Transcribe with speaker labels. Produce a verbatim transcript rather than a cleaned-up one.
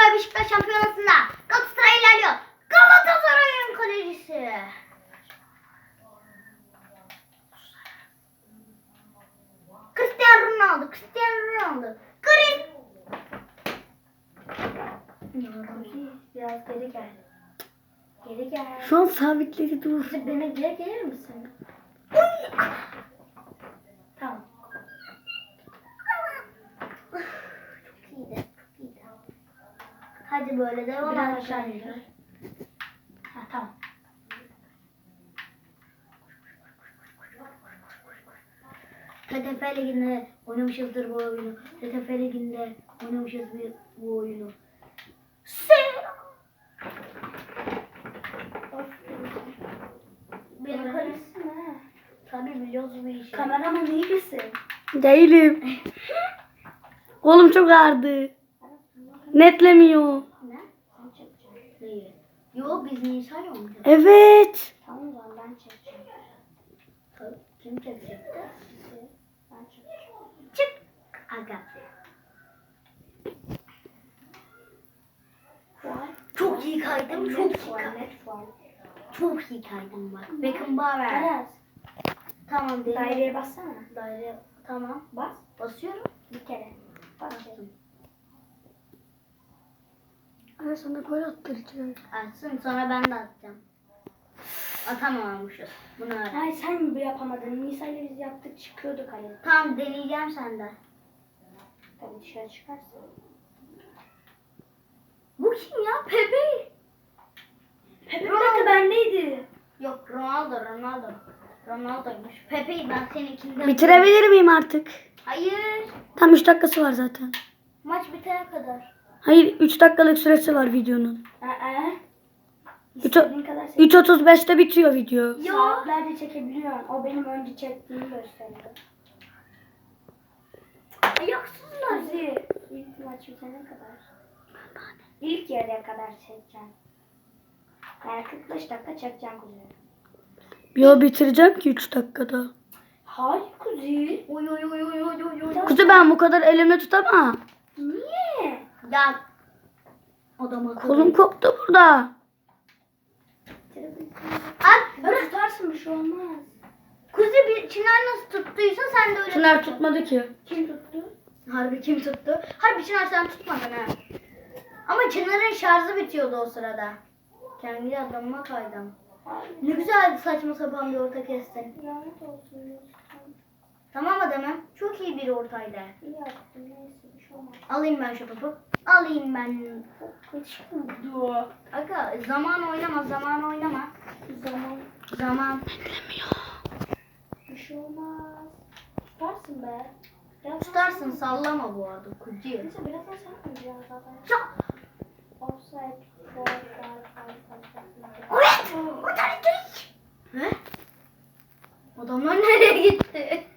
Speaker 1: Galatasaray Beşiktaş şampiyonasında Galatasaray ilerliyor. Galatasaray'ın kalecisi. Cristiano Ronaldo. Cristiano Ronaldo. Gris.
Speaker 2: Biraz geri gel. Geri gel.
Speaker 3: Şu an sabitledi dur.
Speaker 2: Kızım beni geri gelir misin? Tamam.
Speaker 1: Çok iyiydi. Çok iyiydi. Hadi böyle devam
Speaker 2: Biraz
Speaker 1: et.
Speaker 2: aşağı indir. Ha tamam.
Speaker 1: T T F Ligi'nde oynamışızdır bu oyunu. T T F Ligi'nde oynamışız bu oyunu. Selam. Benim karısı mı? Tabii biliyoruz bu işi.
Speaker 2: Kameraman iyi misin?
Speaker 3: Değilim. Kolum çok ağrıdı. Netlemiyor.
Speaker 1: Ne? Sen çekeceksin. Neyi? Yo biz Nisa'yla oynayacağız.
Speaker 3: Evet.
Speaker 2: Tamam o zaman ben çekeceğim.
Speaker 1: Tabii. Kim çekecekti?
Speaker 2: Ben çekeceğim.
Speaker 1: Çık. Aga.
Speaker 2: Fuar.
Speaker 1: Çok iyi kaydım. Çok iyi
Speaker 2: fuar.
Speaker 1: kaydım.
Speaker 2: Net fuar.
Speaker 1: Çok iyi kaydım bak. Beckenbauer.
Speaker 2: Aras.
Speaker 1: Tamam değil.
Speaker 2: Daireye bassana.
Speaker 1: Daire. Tamam.
Speaker 2: Bas.
Speaker 1: Basıyorum.
Speaker 2: Bir kere. Bas.
Speaker 3: Ana sana gol attıracağım.
Speaker 1: Atsın sonra ben de atacağım. Atamamışız. Bunu öğren.
Speaker 2: Ay sen mi bu yapamadın? Nisa ile biz yaptık çıkıyorduk hani.
Speaker 1: Tamam deneyeceğim senden.
Speaker 2: Tabii dışarı çıkarsın.
Speaker 1: Bu kim ya? Pepe.
Speaker 2: Pepe bir dakika bendeydi.
Speaker 1: Yok Ronaldo Ronaldo. Ronaldo'ymuş. Pepe'yi ben seninkinden...
Speaker 3: Bitirebilir miyim artık?
Speaker 1: Hayır.
Speaker 3: Tam üç dakikası var zaten.
Speaker 1: Maç bitene kadar.
Speaker 3: Hayır üç dakikalık süresi var videonun.
Speaker 2: Aa.
Speaker 3: Üç-
Speaker 2: İstediğin kadar çek.
Speaker 3: üç otuz beşte bitiyor video.
Speaker 1: Yo.
Speaker 2: Saatlerce çekebiliyorsun. O benim önce çektiğimi gösteriyor.
Speaker 1: Ayaksızlar.
Speaker 2: Kuzi. İlk maç bitene kadar. İlk yarıya kadar çekeceğim. Yani kırk beş dakika çekeceğim Kuzi.
Speaker 3: Yo bitireceğim ki üç dakikada.
Speaker 2: Hayır Kuzi.
Speaker 1: Oy oy oy oy oy oy oy.
Speaker 3: Kuzu ben bu kadar elimle tutamam.
Speaker 2: Niye?
Speaker 1: Ya. Odama
Speaker 3: Kolum koptu burada.
Speaker 1: At.
Speaker 2: Ya tutarsın bir şey olmaz.
Speaker 1: Kuzi bir Çınar nasıl tuttuysa sen de öyle
Speaker 3: Çınar
Speaker 1: tut.
Speaker 3: tutmadı ki.
Speaker 2: Kim tuttu?
Speaker 1: Harbi kim tuttu? Harbi Çınar sen tutmadın ha. Ama Çınar'ın şarjı bitiyordu o sırada. Kendi adamıma kaydım. Ne güzel saçma sapan bir orta kestin.
Speaker 2: Lanet olsun Yusuf.
Speaker 1: Tamam adamım. Çok iyi bir ortaydı.
Speaker 2: İyi yaptın neyse bir şey olmaz.
Speaker 1: Alayım ben şu topu. Alayım ben.
Speaker 2: Kaç oldu?
Speaker 1: Aga zaman oynama zaman oynama.
Speaker 2: Zaman
Speaker 1: Zaman.
Speaker 2: bir şey olmaz. Tutarsın be. Biraz
Speaker 1: Tutarsın sallama bu arada kucu.
Speaker 2: Neyse birazdan sen oynayacaksın zaten.
Speaker 1: Çok.
Speaker 2: Offside. Foul, foul, foul, foul, foul.
Speaker 1: Evet. O tarafa geç. He? Adamlar nereye gitti?